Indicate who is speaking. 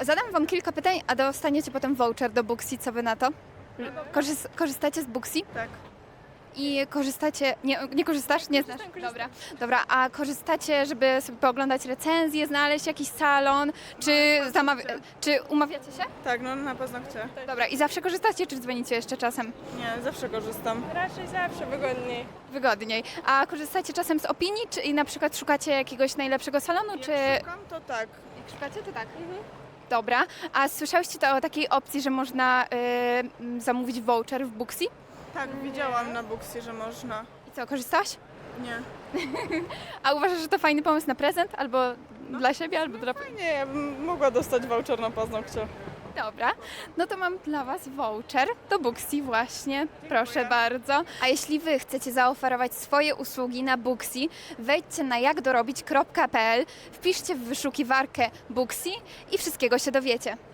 Speaker 1: Zadam wam kilka pytań, a dostaniecie potem voucher do Booksy. Co wy na to? Korzystacie z Booksy?
Speaker 2: Tak.
Speaker 1: I korzystacie... Nie korzystasz? Nie znasz? Dobra. Dobra, a korzystacie, żeby sobie pooglądać recenzje, znaleźć jakiś salon, czy umawiacie się?
Speaker 2: Tak, no na paznokcie.
Speaker 1: Dobra, i zawsze korzystacie, czy dzwonicie jeszcze czasem?
Speaker 2: Nie, zawsze korzystam.
Speaker 3: Raczej zawsze wygodniej.
Speaker 1: Wygodniej. A korzystacie czasem z opinii, czy i na przykład szukacie jakiegoś najlepszego salonu, czy...
Speaker 2: Jak szukam, to tak.
Speaker 1: Jak szukacie, to tak. Dobra, a słyszałyście to o takiej opcji, że można zamówić voucher w Booksy?
Speaker 2: Tak, widziałam na Booksy, że można.
Speaker 1: I co, korzystałaś?
Speaker 2: Nie.
Speaker 1: A uważasz, że to fajny pomysł na prezent? Albo dla siebie, albo dla...
Speaker 2: Nie, ja bym mogła dostać voucher na paznokcie.
Speaker 1: Dobra, no to mam dla Was voucher do Booksy właśnie. Proszę bardzo. A jeśli Wy chcecie zaoferować swoje usługi na Booksy, wejdźcie na jakdorobić.pl, wpiszcie w wyszukiwarkę Booksy i wszystkiego się dowiecie.